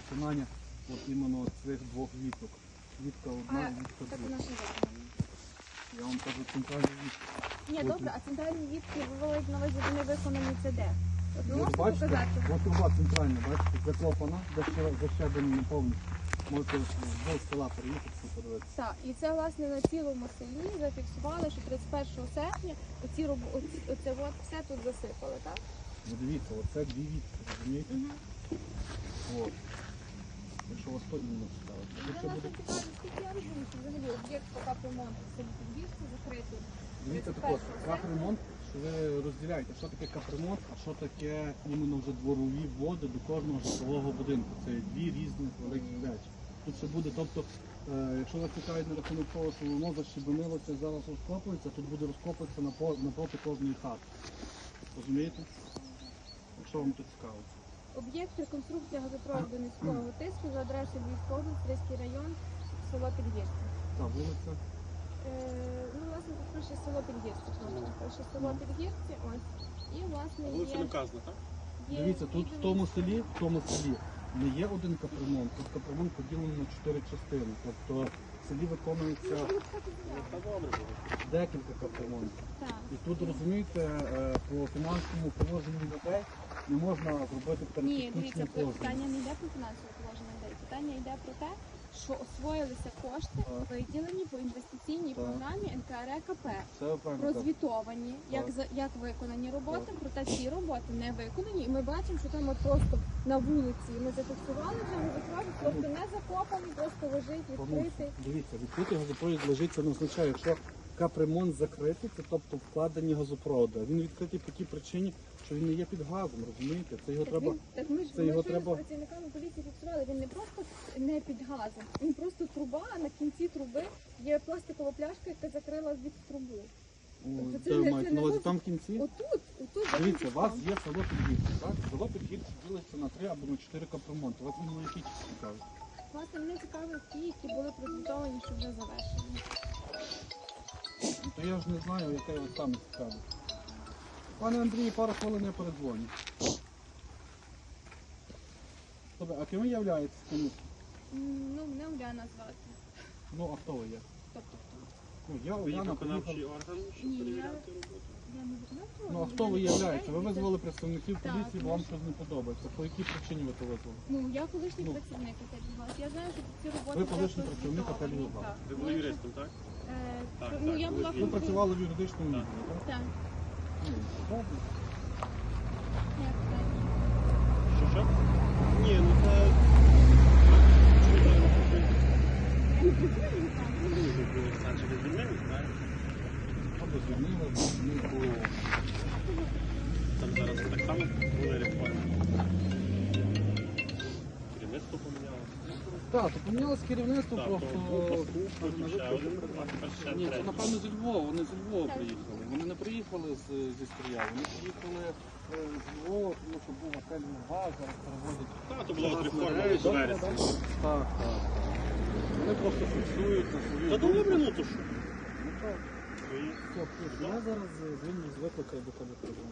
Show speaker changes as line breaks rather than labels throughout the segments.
виконання от іменно цих двох віток. Вітка одна, вітка
Так у
друга.
нас не виконано.
Я вам кажу центральні вітки.
Ні, добре, а центральні вітки виводять на увазі, вони виконані це де? От ви
От
можете
бачите,
показати?
от труба центральна, бачите, заклопана, защеблена повністю. Можете з села переїхати, подивитися.
Так, і це власне на цілому селі зафіксували, що 31 серпня оце от все тут засипали, так?
Ну дивіться, оце дві вітки, розумієте? От. Якщо вас то іменно ставити.
Це
Якщо
нас
буде...
цікаво, скільки я розумію, що взагалі об'єкт пока ремонту в селі Підвірську закритий.
Дивіться так от, капремонт, що ви розділяєте, що таке капремонт, а що таке іменно вже дворові води до кожного житлового будинку. Це дві різні великі речі. Тут ще буде, тобто, якщо вас цікавить на рахунок того, що воно защебенилося, зараз розкопується, тут буде розкопуватися напроти кожної хати. Розумієте? Якщо вам тут цікаво.
Об'єкт реконструкція газопроводу низького тиску за адресою Львівської області, Стрийський район, село Підгірці.
Та вулиця.
Ну, власне, тут пише село Підгірці. Пише село Підгірці, ось. І, власне,
Вулиця не
є...
вказана, так?
Дивіться, тут в тому селі не є один капремонт, тут капремонт поділений на 4 частини. Тобто в селі виконується
Та добре було.
декілька капремонтів.
Так.
І тут, розумієте, по фінансовому положенню людей не можна зробити
Ні, дивіться,
перетехнічне положення.
питання не йде про фінансове положення людей. Питання йде про те, що освоїлися кошти, виділені по інвестиційній
Так.
програмі НКРЕКП.
Це ви правильно кажете.
Розвітовані,
Так.
як виконані роботи, проте ці роботи не виконані. І ми бачимо, що там от просто на вулиці ми зафіксували вже газопровід, просто не закопаний, просто лежить відкритий.
Дивіться, відкритий газопровід лежить, це не означає, якщо капремонт закритий, це тобто вкладені газопроводи. Він відкритий по тій причині, що він не є під газом, розумієте? Це його треба.
Так ми ж
це його
з
треба-
працівниками поліції фіксували, він не просто не під газом, він просто труба, а на кінці труби є пластикова пляшка, яка закрила від трубу. Тобто це
Де
не-
ви
це
маєте
не
на увазі
зовсім-
там в кінці?
Отут
Дивіться, у вас
закінчиться.
є село Підгірці, так? Село Підгірці ділиться на 3 або на 4 капремонти. У вас іменно які цікаві?
Власне, мене цікавить ті, які були прозвітовані, що вже завершені.
Ну, то я ж не знаю, яке вас саме цікаве. Пане Андрію, пару хвилин я передзвоню. Добре, а ким ви являєтесь?
Ну, мене Уляна звати.
Ну, а хто ви є?
Тобто хто?
Ну, я
Ви є
Уляна
виконавчий
приїхав.
орган, щоб
Ні,
перевіряти роботу?
Я не виконавча.
Ну, а хто ви являєтеся? Ви визвали представників
Так,
поліції, бо вам
тому
щось не подобається. По якій причині ви то визвали?
Ну, я колишній
Ну.
працівник АТ-Львівгаз. Я знаю, що ці роботи
Ви
вже
колишній працівник
прозвітовані.
АТ-Львівгаз.
Так.
Ви були юристом, так? Так,
Ну,
так,
я була
ви
Ви працювали в юридичному
Так.
відділі, так?
Так.
Ну, добре.
Як так?
Що? Ні, ну це... Це через звільнення, так?
Або звільнили, бо
Там зараз так само були реформи. Керівництво помінялося.
так, то помінялось керівництво,
Так,
просто...
потім ще один, а тепер ще
Ні, це
третій.
напевно зі Львова, вони зі Львова
Так.
приїхали. Вони не приїхали зі Стрия, вони приїхали з Львова, тому що був готель Львова, зараз переводять.
Так, то була от
Зараз
реформа
мережі.
з вересня.
Так, так. Вони просто фіксують на свою
Та добре, ну то що?
Ну так,
Свої.
все, плюс. Я зараз звільню з викликаю до тебе прийду.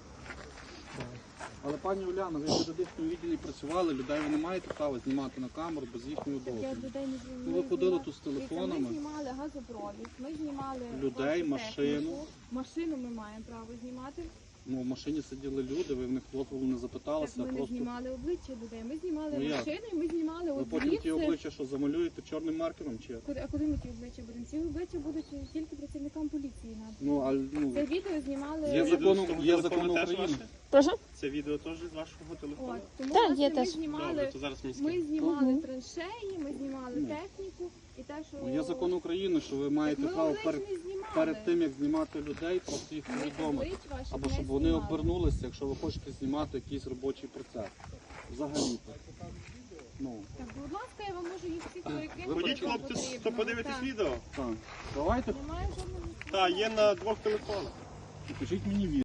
Але пані Уляна, ви в юридичному відділі працювали, людей ви не маєте права знімати на камеру без їхнього
Я
дозволу.
людей не знімала.
Ну, ви ходили тут з телефонами.
Ми знімали газопровід, ми знімали
Людей,
вашу
машину.
техніку. Машину ми маємо право знімати.
Ну, в машині сиділи люди, ви в них дозволу не
Так
запиталися,
ми
а
не
просто...
знімали обличчя людей. Ми знімали
Ну, як?
машини, ми знімали
Ви
от
потім ті
звідси.
обличчя що замалюєте чорним маркером чи як?
А куди ми ті обличчя будемо? Ці обличчя будуть тільки працівникам поліції.
Ну, а ну,
Це відео знімали.
Є
Відео
закон-
з того
є
телефону
закон
теж
України.
ваше?
Прошу?
Це відео теж з вашого телефону?
От, тому
Так,
власне,
є
ми
теж.
Добре,
знімали,
то зараз мені
ми
скинете.
знімали траншеї, ми знімали
Ну.
техніку і те, що
є закон України, що ви маєте
ми
право
облич не знімали.
перед тим, як знімати людей, просто їх
Ми
повідомити.
облич ваших
Або
не
щоб вони
знімали.
обернулися, якщо ви хочете знімати якийсь робочий процес. Взагалі-то. Ну,
Так, будь ласка, я вам можу їх всіх перекинути.
Ви
Ходіть,
якщо
хлопці,
потрібно.
то подивитись
Так.
відео.
так. Давайте,
Немає жодного.
Так, є на 2 телефонах.
покажіть мені відео.